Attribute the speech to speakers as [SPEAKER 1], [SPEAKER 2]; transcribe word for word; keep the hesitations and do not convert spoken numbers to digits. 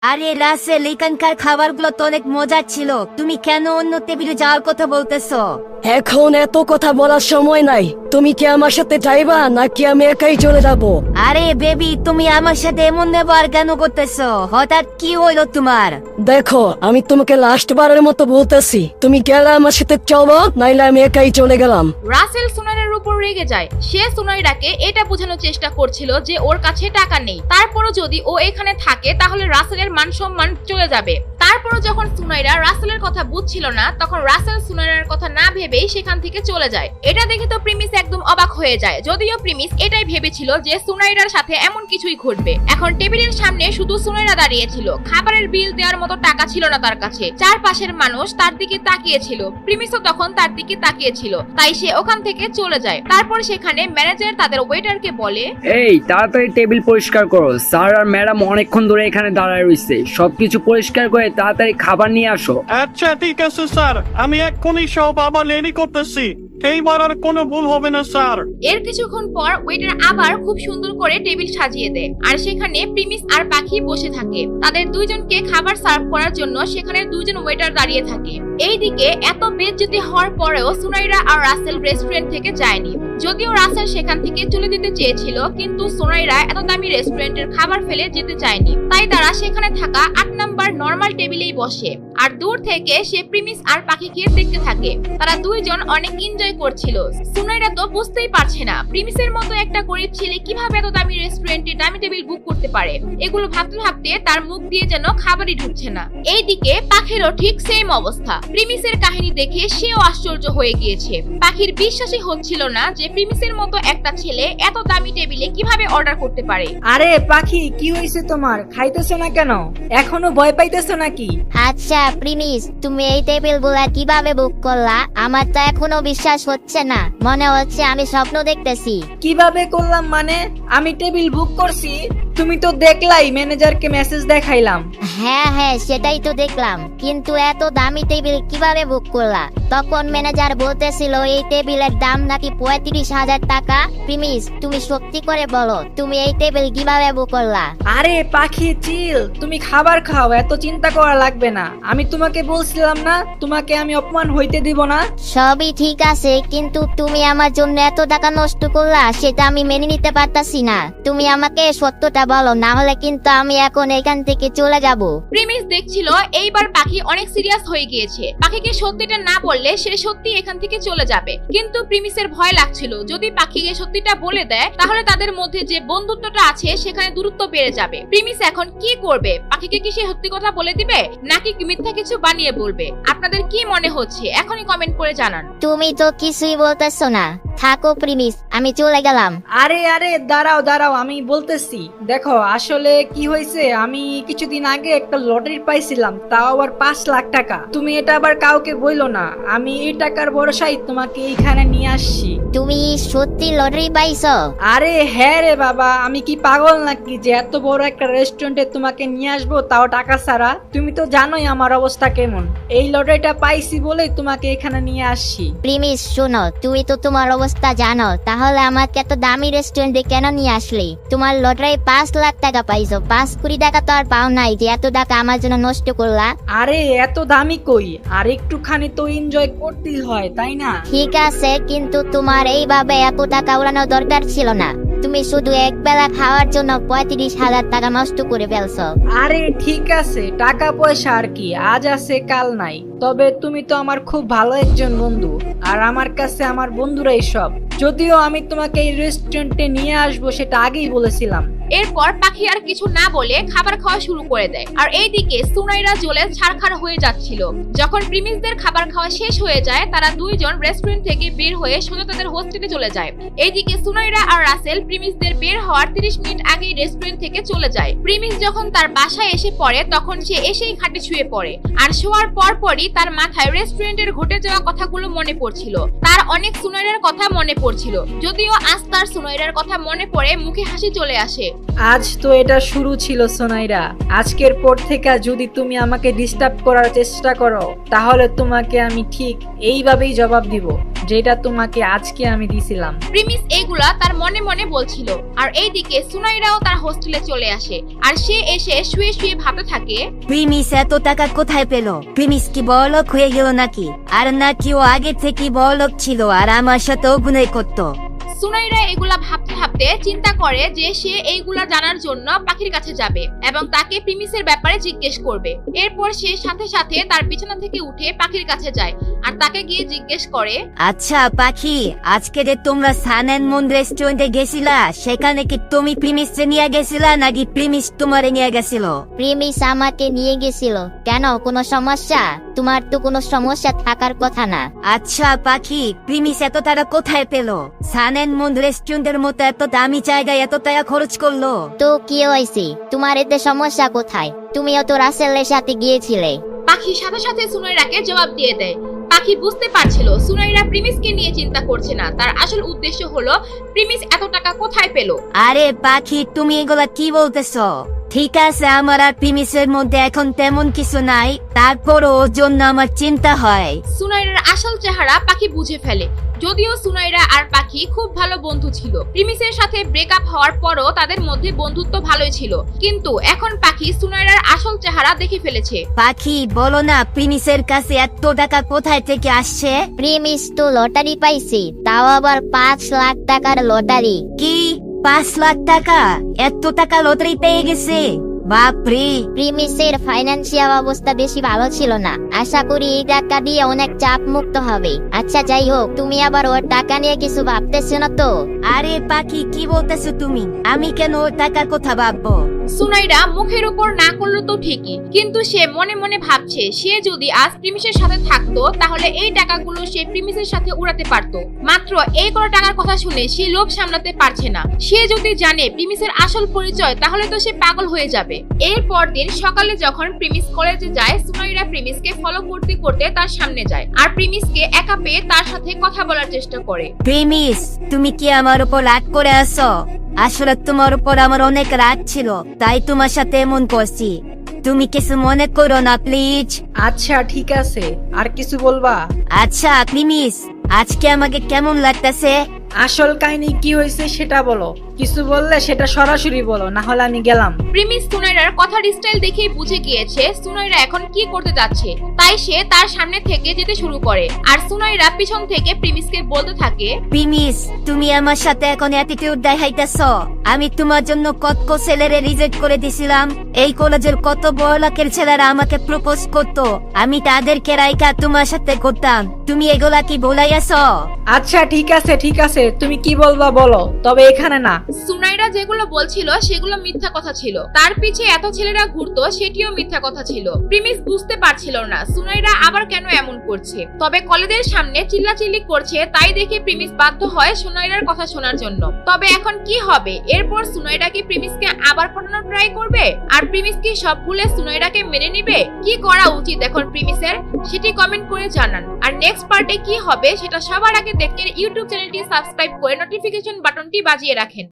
[SPEAKER 1] আরে রাসেল, এখানকার খাবারগুলো তো অনেক মজার ছিল, তুমি কেন অন্য টেবিলে যাওয়ার কথা বলতেছো?
[SPEAKER 2] এখন এত কথা বলার সময় নাই। তুমি কি আমার সাথে যাইবা নাকি আমি একাই চলে যাব?
[SPEAKER 1] আরে বেবি, তুমি আমার সাথে এমন ব্যবহার কেন করতেছো? হঠাৎ কি হইলো তোমার?
[SPEAKER 2] দেখো, আমি তোমাকে লাস্ট বারের মতো বলতেছি, তুমি গেলে আমার সাথে চলো, নাইলে আমি একাই চলে গেলাম।
[SPEAKER 3] রাসেল সুনাইরার উপর রেগে যায়। সে সুনাইরাকে এটা বোঝানোর চেষ্টা করছিল যে ওর কাছে টাকা নেই, তারপরও যদি ও এখানে থাকে তাহলে রাসেলের মান সম্মান চলে যাবে। তারপরও যখন সুনাইরা রাসেলের কথা বুঝছিল না, তখন রাসেল সুনাইরার কথা না ভেবেই সেখান থেকে চলে যায়। এটা দেখে তো প্রিমিস একদম অবাক হয়ে যায়, যদিও প্রিমিস এটাই ভেবেছিল যে সুনাইরার সাথে এমন কিছুই ঘটবে। এখন টেবিলের সামনে শুধু সুনাইরা দাঁড়িয়েছিল, খাবারের বিল দেওয়ার মতো টাকা ছিল না তার কাছে। চারপাশের মানুষ তার দিকে তাকিয়েছিল, প্রিমিসও তখন তার দিকে তাকিয়েছিল, তাই সে ওখান থেকে চলে যায়। তারপর সেখানে ম্যানেজার তাদের ওয়েটারকে বলে,
[SPEAKER 4] এই তাড়াতাড়ি টেবিল পরিষ্কার করো, স্যার আর ম্যাডাম অনেকক্ষণ ধরে এখানে দাঁড়ায় রয়েছে, সবকিছু পরিষ্কার করে তাড়াতাড়ি খাবার নিয়ে আসো।
[SPEAKER 5] আচ্ছা ঠিক আছে স্যার, আমি এক্ষুনি সব আবার রেডি করতেছি, এইবার আর কোনো ভুল হবে না স্যার।
[SPEAKER 3] এর কিছুক্ষণ পর ওয়েটার আবার খুব সুন্দর করে টেবিল সাজিয়ে দেয়, আর সেখানে প্রিমিস আর পাখি বসে থাকে। তাদের দুইজনকে খাবার সার্ভ করার জন্য সেখানে দুইজন ওয়েটার দাঁড়িয়ে থাকে। এইদিকে এত বেইজ্জতি হওয়ার পরেও সুনাইরা আর রাসেল রেস্টুরেন্ট থেকে যায়নি। যদিও রাসেল সেখান থেকে চলে যেতে চেয়েছিল, কিন্তু সুনাইরা এত দামি রেস্টুরেন্টের খাবার ফেলে যেতে চায়নি, তাই তারা সেখানে থাকা আট নাম্বার নরমাল টেবিলেই বসে আর দূর থেকে সে প্রিমিস আর পাখিকে দেখতে থাকে। তারা দুইজন অনেক এনজয় করছিল। সুনাইরা তো বুঝতেই পারছে না প্রিমিসের মতো একটা গরিব ছেলে কিভাবে এত দামি রেস্টুরেন্টে দামি টেবিল বুক করতে পারে। এগুলো ভাবতে ভাবতে তার মুখ দিয়ে যেন খাবারই ঢুকছে না। এইদিকে পাখিরও ঠিক সেম অবস্থা। প্রিমিসের কাহিনী দেখে সেও আশ্চর্য হয়ে গিয়েছে। পাখির বিশ্বাসই হচ্ছিল না যে প্রিমিসের মতো একটা ছেলে এত দামি টেবিলে কিভাবে অর্ডার করতে পারে।
[SPEAKER 6] আরে পাখি, কি হয়েছে তোমার? খাইতেছো না কেন? এখনো ভয় পাইতেছো নাকি?
[SPEAKER 7] আচ্ছা প্রিমিস, তুমি এই টেবিল গুলা কিভাবে বুক করলা? আমার তো এখনো বিশ্বাস হচ্ছে না, মনে হচ্ছে আমি স্বপ্ন দেখতেছি।
[SPEAKER 6] কিভাবে করলাম মানে? আমি টেবিল বুক করছি, তুমি তো দেখলাই, ম্যানেজারকে মেসেজ দেখাইলাম।
[SPEAKER 7] হ্যাঁ হ্যাঁ সেটাই তো দেখলাম, কিন্তু এত দামি টেবিল কিভাবে বুক করলা? তখন ম্যানেজার বলতেছিল এই টেবিলের দাম নাকি পঁয়ত্রিশ হাজার টাকা। প্রিমিস, তুমি সত্যি করে বলো, তুমি এই টেবিল কিভাবে বুক করলা?
[SPEAKER 6] আরে পাখি চিল, তুমি খাবার খাও, এত চিন্তা করা লাগবে না। আমি তোমাকে বলছিলাম না, তোমাকে আমি অপমান হইতে দিব না।
[SPEAKER 7] সবই ঠিক আছে, কিন্তু তুমি আমার জন্য এত টাকা নষ্ট করলা, সেটা আমি মেনে নিতে পারতাছি না। তুমি আমাকে সত্যটা বলো, না হলে কিন্তু আমি এখন এখান থেকে চলে যাব।
[SPEAKER 3] প্রিমিস দেখছিল এইবার পাখি অনেক সিরিয়াস হয়ে গিয়েছে। পাখিকে সত্যিটা না বললে সে সত্যি এখান থেকে চলে যাবে, কিন্তু প্রিমিসের ভয় লাগছিল যদি পাখিকে সত্যিটা বলে দেয় তাহলে তাদের মধ্যে যে বন্ধুত্বটা আছে সেখানে দূরত্ব বেড়ে যাবে। প্রিমিস এখন কি করবে? পাখিকে কি সে সত্যি কথা বলে দিবে নাকি মিথ্যা কিছু বানিয়ে বলবে? আপনাদের কি মনে হচ্ছে এখনই কমেন্ট করে জানান।
[SPEAKER 7] তুমি তো কিছুই বলতেছো না, থাকো প্রিমিস, আমি চলে গেলাম।
[SPEAKER 6] আরে আরে দাঁড়াও দাঁড়াও, আমি বলতেছি। দেখো আসলে কি হয়েছে, আমি কিছুদিন আগে একটা লটারি পাইছিলাম, তাও আবার পাঁচ লাখ টাকা। তুমি এটা আবার কাউকে বইলো না, আমি এই টাকার ভরসায় তোমাকে এইখানে নিয়ে আসছি।
[SPEAKER 7] তুমি সত্যি লটারি পাইছো?
[SPEAKER 6] আরে হ্যাঁ রে বাবা, আমি কি পাগল নাকি যে এত বড় একটা রেস্টুরেন্টে তোমাকে নিয়ে আসবো, তাও টাকা ছাড়া? তুমি তো জানোই আমার অবস্থা কেমন। এই লটারিটা পাইছি বলেই তোমাকে এখানে নিয়ে আসছি।
[SPEAKER 7] প্রিমিস শোনো, তুমি তো তোমার অবস্থা জানো, তাহলে আমাকে এত দামি রেস্টুরেন্টে কেন নিয়ে আসলি? তোমার লটারি পাঁচ লাখ টাকা পাইছো, পাঁচ কোটি টাকা তো আর পাও নাই যে এত টাকা আমার জন্য নষ্ট করলা।
[SPEAKER 6] আরে এত দামি কই, আর একটুখানি তো এনজয় করতেই হয়, তাই না?
[SPEAKER 7] ঠিক আছে, কিন্তু তোমার এইভাবে এত টাকা উড়ানোর দরকার ছিল না। তুমি শুধু এক বেলা খাওয়ার জন্য পঁয়ত্রিশ হাজার টাকা নষ্ট করে ফেলছো।
[SPEAKER 6] আরে ঠিক আছে, টাকা পয়সা আর কি, আজ আছে কাল নাই। তবে তুমি তো আমার খুব ভালো একজন বন্ধু, আর আমার কাছে আমার বন্ধুরাই সব। যদিও আমি তোমাকে এই রেস্টুরেন্টে নিয়ে আসবো সেটা আগেই বলেছিলাম।
[SPEAKER 3] এরপর পাখি আর কিছু না বলে খাবার খাওয়া শুরু করে দেয়। আর এইদিকে সুনাইরা জ্বলে ছারখার হয়ে যাচ্ছিল। যখন প্রিমিসদের খাবার খাওয়া শেষ হয়ে যায়, তারা দুইজন রেস্টুরেন্ট থেকে বের হয়ে সোজা তাদের হোস্টেলে চলে যায়। এইদিকে সুনাইরা আর রাসেল প্রিমিসদের বের হওয়ার তিরিশ মিনিট আগেই রেস্টুরেন্ট থেকে চলে যায়। প্রিমিস যখন তার বাসায় এসে পড়ে তখন সে এসেই খাটে শুয়ে পড়ে, আর শোয়ার পর পরই তার মাথায় রেস্টুরেন্টের ঘটে যাওয়া কথাগুলো মনে পড়ছিল। তার অনেক সুনাইরার কথা মনে পড়ছিল, যদিও আজ তার সুনাইরার কথা মনে পড়ে মুখে হাসি চলে আসে।
[SPEAKER 6] আজ তো এটা শুরু ছিল সোনাইরা, আজকের পর থেকে যদি তুমি আমাকে ডিস্টার্ব করার চেষ্টা করো তাহলে তোমাকে আমি ঠিক এইভাবেই জবাব দিব যেটা তোমাকে আজকে আমি দিছিলাম।
[SPEAKER 3] প্রিমিস এইগুলা তার মনে মনে বলছিল, আর এইদিকে সুনাইরাও তার হোস্টেলে চলে আসে, আর সে এসে শুয়ে শুয়ে ভাবতে থাকে।
[SPEAKER 1] প্রিমিস এত টাকা কোথায় পেল? প্রিমিস কি বড়লোক হয়ে গেল নাকি? আর নাকি ও আগে থেকে বড়লোক ছিল আর আমার সাথে অভিনয় করতো?
[SPEAKER 3] সুনাইরা এগুলা ভাবতে ভাবতে চিন্তা করে যে সে এইগুলা জানার জন্য পাখির কাছে যাবে এবং তাকে প্রিমিসের ব্যাপারে জিজ্ঞেস করবে। এরপর সে সাথে সাথে তার বিছানা থেকে উঠে পাখির কাছে যায় আর তাকে গিয়ে জিজ্ঞেস করে,
[SPEAKER 1] আচ্ছা পাখি, আজকে যে তোমরা সান এন্ড মুন রেস্টুরেন্টে গেছিলা, সেখানে কি তুমি প্রিমিস নিয়ে গেছিলা নাকি প্রিমিস তোমারে নিয়ে গেছিল?
[SPEAKER 7] প্রিমিস আমাকে নিয়ে গেছিল। কেন, কোনো সমস্যা? তোমার তো কোনো সমস্যা থাকার কথা না।
[SPEAKER 1] আচ্ছা পাখি, প্রিমিস এত টাকা কোথায় পেল? সান এন্ড মুন রেস্টুরেন্টের মতো এত দামি জায়গায় এত টাকা খরচ করলো?
[SPEAKER 7] তো কি হয়েছে? তোমার এতে সমস্যা কোথায়? তুমিও তো রাসেলের সাথে গিয়েছিলে।
[SPEAKER 3] পাখি সাথে সাথে সুনাইরাকে জবাব দিয়ে দেয়। পাখি বুঝতে পারছিল সুনাইরা প্রিমিসকে নিয়ে চিন্তা করছে না, তার আসল উদ্দেশ্য হলো প্রিমিস এত টাকা কোথায় পেল।
[SPEAKER 1] আরে পাখি, তুমি এগুলা কি বলতেছো? ঠিক আছে, আমার আর প্রিমিসের মধ্যে এখন তেমন কিছু নাই, তারপরও ওর জন্য আমার চিন্তা হয়।
[SPEAKER 3] সুনাইরার আসল চেহারা পাখি বুঝে ফেলে। যদিও সুনাইরা আর পাখি খুব ভালো বন্ধু ছিল, প্রিমিসের সাথে ব্রেকআপ হওয়ার পরও তাদের মধ্যে বন্ধুত্ব ভালোই ছিল, কিন্তু এখন পাখি সুনাইরার আসল চেহারা দেখে ফেলেছে।
[SPEAKER 1] পাখি বলো না, প্রিমিসের কাছে এত টাকা কোথায় থেকে আসছে?
[SPEAKER 7] প্রিমিস তো লটারি পাইছি, তাও আবার পাঁচ লাখ টাকার লটারি।
[SPEAKER 1] কি পাঁচ লাখ টাকা? এত টাকা লটারি পেয়ে গেছে? বাপরে!
[SPEAKER 7] প্রিমিসের ফাইন্যান্সিয়াল অবস্থা বেশি ভালো ছিল না, আশা করি এই টাকা দিয়ে অনেক চাপ মুক্ত হবে। আচ্ছা যাই হোক, তুমি আবার ওর টাকা নিয়ে কিছু ভাবতেছো না তো?
[SPEAKER 1] আরে পাখি, কি বলতেছো তুমি? আমি কেন ওর টাকার কথা ভাববো?
[SPEAKER 3] সুনাইরা মুখের উপর না করলো তো ঠিকই, কিন্তু সে মনে মনে ভাবছে সে যদি আজ প্রিমিসের সাথে থাকতো তাহলে এই টাকাগুলো সে প্রিমিসের সাথে উড়াতে পারতো। মাত্র এই কটা টাকার কথা শুনে সে লোভ সামলাতে পারছে না। সে যদি জানে প্রিমিসের আসল পরিচয় তাহলে তো সে পাগল হয়ে যাবে। এরপর দিন সকালে যখন প্রিমিস কলেজে যায়, সুনাইরা প্রিমিসকে ফলো করতে করতে তার সামনে যায় আর প্রিমিসকে একা পেয়ে তার সাথে কথা বলার চেষ্টা করে।
[SPEAKER 1] প্রিমিস, তুমি কি আমার উপর রাগ করে আছো? আসলে তোমার উপর আমার অনেক রাগ ছিল, তাই তোমার সাথে এমন করছি। তুমি কিছু মনে করো না প্লিজ।
[SPEAKER 6] আচ্ছা ঠিক আছে, আর কিছু বলবা?
[SPEAKER 1] আচ্ছা প্রিমিস, আজকে আমাকে কেমন লাগতেছে?
[SPEAKER 6] আসল কাহিনী কি হয়েছে সেটা বলো, কিছু বললে সেটা সরাসরি বলো, না হলে আমি গেলাম।
[SPEAKER 3] প্রিমিস সুনাইরার কথার স্টাইল দেখেই বুঝে গিয়েছে সুনাইরা এখন কি করতে যাচ্ছে, তাই সে তার সামনে থেকে যেতে শুরু করে আর সুনাইরা পিছন থেকে প্রিমিসকে বলতে থাকে,
[SPEAKER 1] প্রিমিস, তুমি আমার সাথে এখন অ্যাটিটিউড দেখাইতেছো। আমি তোমার জন্য কত কত ছেলেরে রিজেক্ট করে দিছিলাম। এই কলেজের কত বড় লোকের ছেলেরা আমাকে প্রপোজ করতো, আমি তাদেরকে রাইখা তোমার সাথে করতাম। তুমি এগুলা কি ভুলাইয়াছো?
[SPEAKER 6] আচ্ছা ঠিক আছে ঠিক আছে, তুমি কি বলবা বলো, তবে এখানে না।
[SPEAKER 3] সুনাইরা যেগুলো বলছিল সেগুলো মিথ্যা কথা ছিল, তার পিছে এত ছেলেরা ঘুরতো সেটিও মিথ্যা কথা ছিল। প্রিমিস বুঝতে পারছিল না সুনাইরা আবার কেন এমন করছে, তবে কলেজের সামনে চিল্লাচিল্লি করছে তাই দেখে প্রিমিস বাধ্য হয় সুনাইরার কথা শোনার জন্য। তবে এখন কি হবে? এরপর সুনাইরা কি প্রিমিসকে আবার পটানোর ট্রাই করবে? আর প্রিমিস কি সব ভুলে সুনাইরাকে মেনে নিবে? কি করা উচিত এখন প্রিমিসের, সেটি কমেন্ট করে জানান। আর নেক্সট পার্টে কি হবে সেটা সবার আগে দেখতে ইউটিউব চ্যানেলটি সাবস্ক্রাইব করে নোটিফিকেশন বাটনটি বাজিয়ে রাখেন।